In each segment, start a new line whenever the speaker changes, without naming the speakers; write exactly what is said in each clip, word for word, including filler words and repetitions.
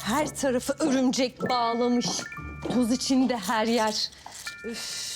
Her tarafı örümcek bağlamış. Toz içinde her yer. Üf.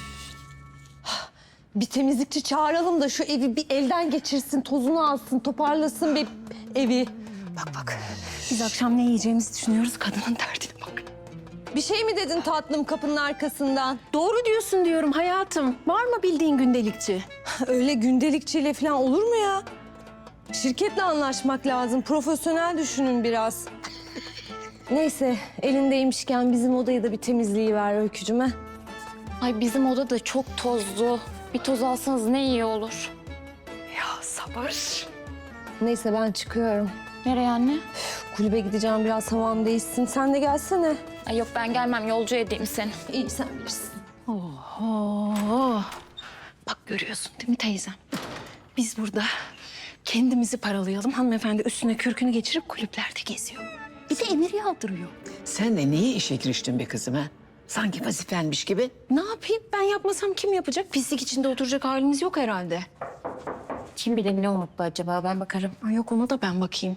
Bir temizlikçi çağıralım da şu evi bir elden geçirsin, tozunu alsın, toparlasın bir evi. Bak bak.
Biz akşam ne yiyeceğimizi düşünüyoruz. Kadının derdine bak.
Bir şey mi dedin tatlım kapının arkasından?
Doğru diyorsun diyorum hayatım. Var mı bildiğin gündelikçi?
Öyle gündelikçiyle falan olur mu ya? Şirketle anlaşmak lazım. Profesyonel düşünün biraz. Neyse, elindeymişken bizim odayı da bir temizliği ver Öykücüme.
Ay bizim oda da çok tozlu. Bir toz alsanız ne iyi olur.
Ya sabır.
Neyse ben çıkıyorum.
Nereye anne?
Kulübe gideceğim, biraz havam değişsin. Sen de gelsene.
Ay yok ben gelmem, yolcu edeyim seni.
İyi, sen bilirsin.
Oho. Bak görüyorsun değil mi teyzem? Biz burada kendimizi paralayalım. Hanımefendi üstüne kürkünü geçirip kulüplerde geziyor. Bir de emir yağdırıyor.
Sen de niye işe giriştin be kızım ha? Sanki vazifenmiş gibi.
Ne yapayım? Ben yapmasam kim yapacak? Pislik içinde oturacak halimiz yok herhalde.
Kim bilir ne umutlu acaba, ben bakarım.
Ay yok, ona da ben bakayım.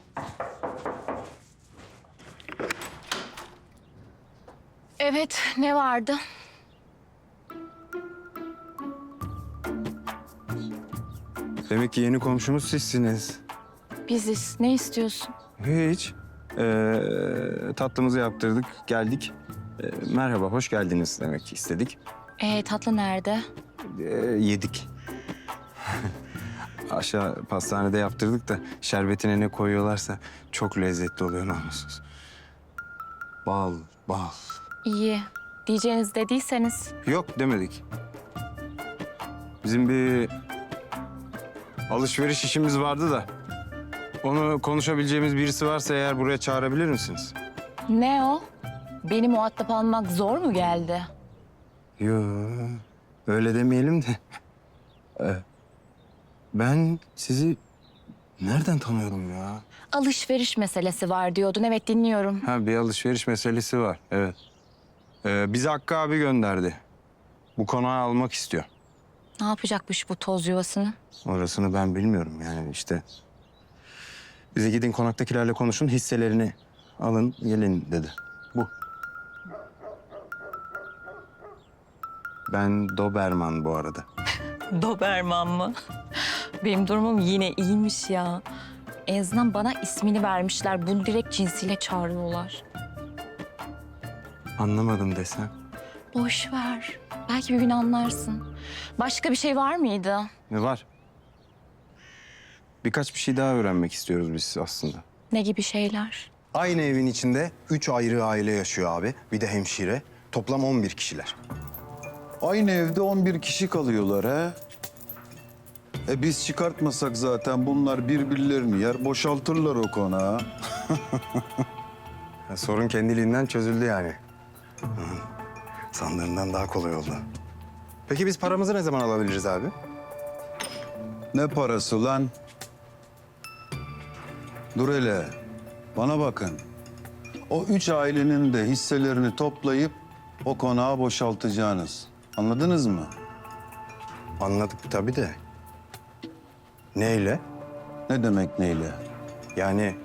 Evet, ne vardı?
Demek ki yeni komşumuz sizsiniz.
Biziz. Ne istiyorsun?
Hiç. Ee, tatlımızı yaptırdık, geldik. Ee, merhaba, hoş geldiniz demek istedik.
Ee, tatlı nerede?
Ee, yedik. Aşağı pastanede yaptırdık da şerbetine ne koyuyorlarsa çok lezzetli oluyor namussuz. Bal, bal.
İyi. Diyeceğiniz dediyseniz.
Yok demedik. Bizim bir alışveriş işimiz vardı da onu konuşabileceğimiz birisi varsa eğer buraya çağırabilir misiniz?
Ne o? Beni muhatap almak zor mu geldi?
Yo, öyle demeyelim de. Ee, ben sizi nereden tanıyorum ya?
Alışveriş meselesi var diyordun. Evet, dinliyorum.
Ha, bir alışveriş meselesi var, evet. Ee, bizi Hakkı abi gönderdi. Bu konağı almak istiyor.
Ne yapacakmış bu toz yuvasını?
Orasını ben bilmiyorum yani işte. Bize gidin konaktakilerle konuşun, hisselerini alın, gelin dedi. Bu. Ben Doberman bu arada.
Doberman mı? Benim durumum yine iyiymiş ya. En azından bana ismini vermişler. Bunu direkt cinsiyle çağırıyorlar.
Anlamadım desem.
Boş ver. Belki bir gün anlarsın. Başka bir şey var mıydı?
Ne var? Birkaç bir şey daha öğrenmek istiyoruz biz aslında.
Ne gibi şeyler?
Aynı evin içinde üç ayrı aile yaşıyor abi. Bir de hemşire. Toplam on bir kişiler.
Aynı evde on bir kişi kalıyorlar ha. E biz çıkartmasak zaten bunlar birbirlerini yer, boşaltırlar o konağı.
Ya sorun kendiliğinden çözüldü yani. Hı. Sandığımdan daha kolay oldu. Peki biz paramızı ne zaman alabiliriz abi?
Ne parası lan? Dur hele, bana bakın. O üç ailenin de hisselerini toplayıp o konağı boşaltacaksınız. Anladınız mı?
Anladık tabii de. Neyle?
Ne demek neyle?
Yani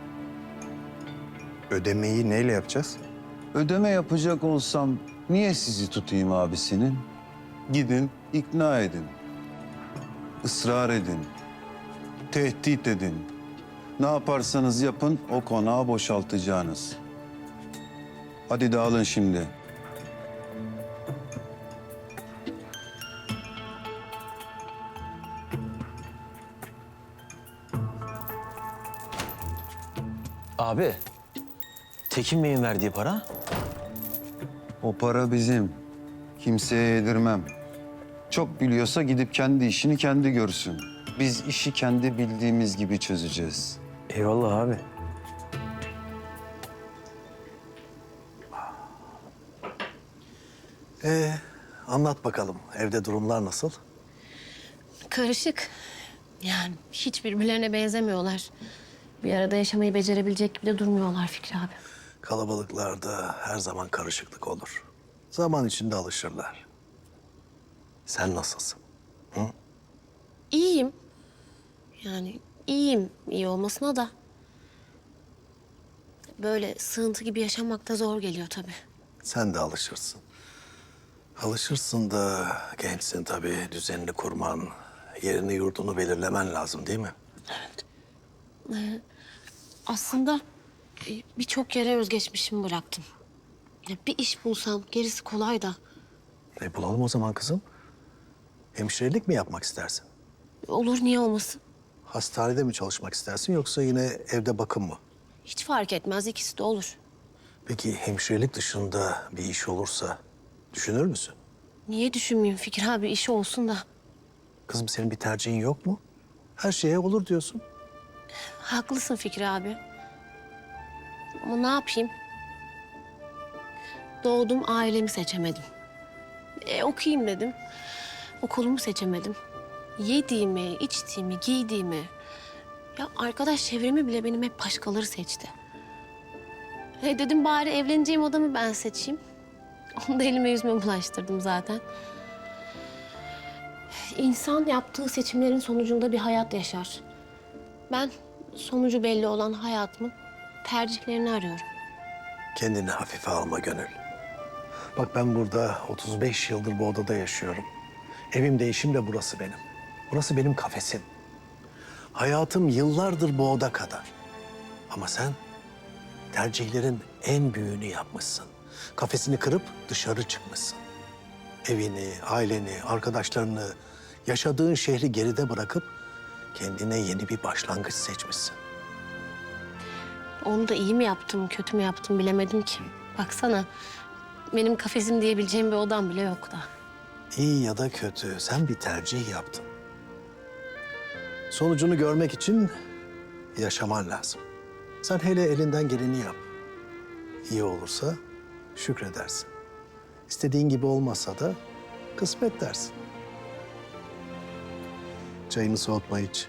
ödemeyi neyle yapacağız?
Ödeme yapacak olsam niye sizi tutayım abisinin? Gidin, ikna edin. Israr edin. Tehdit edin. Ne yaparsanız yapın o konağı boşaltacaksınız. Hadi dağılın şimdi.
Abi, Tekin Bey'in verdiği para?
O para bizim. Kimseye yedirmem. Çok biliyorsa gidip kendi işini kendi görsün. Biz işi kendi bildiğimiz gibi çözeceğiz.
Eyvallah abi.
Ee, anlat bakalım. Evde durumlar nasıl?
Karışık. Yani hiç birbirlerine benzemiyorlar. Bir arada yaşamayı becerebilecek gibi de durmuyorlar Fikri abi.
Kalabalıklarda her zaman karışıklık olur. Zaman içinde alışırlar. Sen nasılsın?
İyiyim. Yani iyiyim. İyi olmasına da. böyle sığıntı gibi yaşamak da zor geliyor tabii.
Sen de alışırsın. Alışırsın da gençsin tabii. Düzenini kurman, yerini yurdunu belirlemen lazım değil mi?
Aslında e, birçok yere özgeçmişimi bıraktım. Ya bir iş bulsam gerisi kolay da.
E bulalım o zaman kızım. Hemşirelik mi yapmak istersin?
Olur, niye olmasın?
Hastanede mi çalışmak istersin yoksa yine evde bakım mı?
Hiç fark etmez, ikisi de olur.
Peki hemşirelik dışında bir iş olursa düşünür müsün?
Niye düşünmeyeyim Fikri abi, işi olsun da.
Kızım senin bir tercihin yok mu? Her şeye olur diyorsun.
Haklısın Fikri abi. Ama ne yapayım? Doğdum, ailemi seçemedim. E, okuyayım dedim. Okulumu seçemedim. Yediğimi, içtiğimi, giydiğimi... Ya arkadaş çevremi bile benim hep başkaları seçti. E dedim bari evleneceğim adamı ben seçeyim. Onu da elime yüzüme bulaştırdım zaten. İnsan yaptığı seçimlerin sonucunda bir hayat yaşar. Ben sonucu belli olan hayatımın tercihlerini arıyorum.
Kendini hafife alma Gönül. Bak ben burada otuz beş yıldır bu odada yaşıyorum. Evim de işim de burası benim. Burası benim kafesim. Hayatım yıllardır bu oda kadar. Ama sen tercihlerin en büyüğünü yapmışsın. Kafesini kırıp dışarı çıkmışsın. Evini, aileni, arkadaşlarını, yaşadığın şehri geride bırakıp kendine yeni bir başlangıç seçmişsin.
Onu da iyi mi yaptım, kötü mü yaptım bilemedim ki. Baksana, benim kafesim diyebileceğim bir odam bile yok da.
İyi ya da kötü, sen bir tercih yaptın. Sonucunu görmek için yaşaman lazım. Sen hele elinden geleni yap. İyi olursa şükredersin. İstediğin gibi olmasa da kısmet dersin. Çayını soğutma hiç.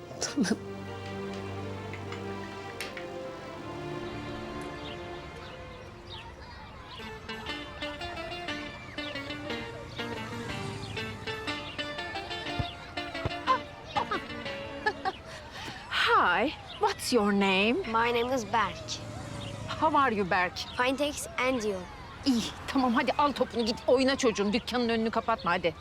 Hi, what's your name?
My name is Berk.
How are you Berk?
Fine, thanks, and you?
İyi, tamam hadi al topunu git oyna çocuğum. Dükkanın önünü kapatma hadi.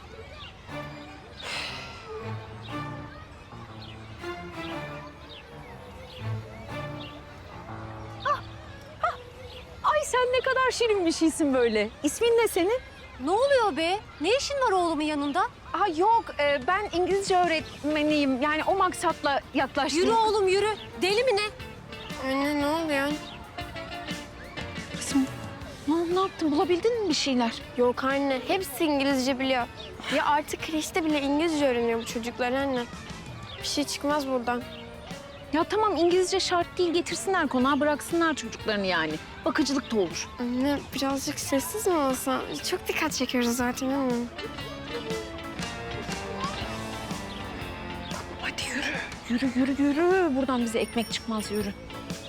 Ah, ah. Ay sen ne kadar şirin bir şeysin böyle. İsmin ne senin?
Ne oluyor be? Ne işin var oğlumun yanında?
Aa yok, e, ben İngilizce öğretmeniyim. Yani o maksatla yaklaştım.
Yürü oğlum yürü. Deli mi ne? Anne ne oluyor?
Kızım, ne, ne yaptın? Bulabildin mi bir şeyler?
Yok anne, hepsi İngilizce biliyor. Ya artık kreşte bile İngilizce öğreniyor bu çocuklar anne. Bir şey çıkmaz buradan.
Ya tamam İngilizce şart değil. Getirsinler konağa bıraksınlar çocuklarını yani. Bakıcılık da olur.
Anne birazcık sessiz mi olsa? Çok dikkat çekiyoruz zaten anne.
Hadi yürü. Yürü, yürü, yürü. Buradan bize ekmek çıkmaz, yürü.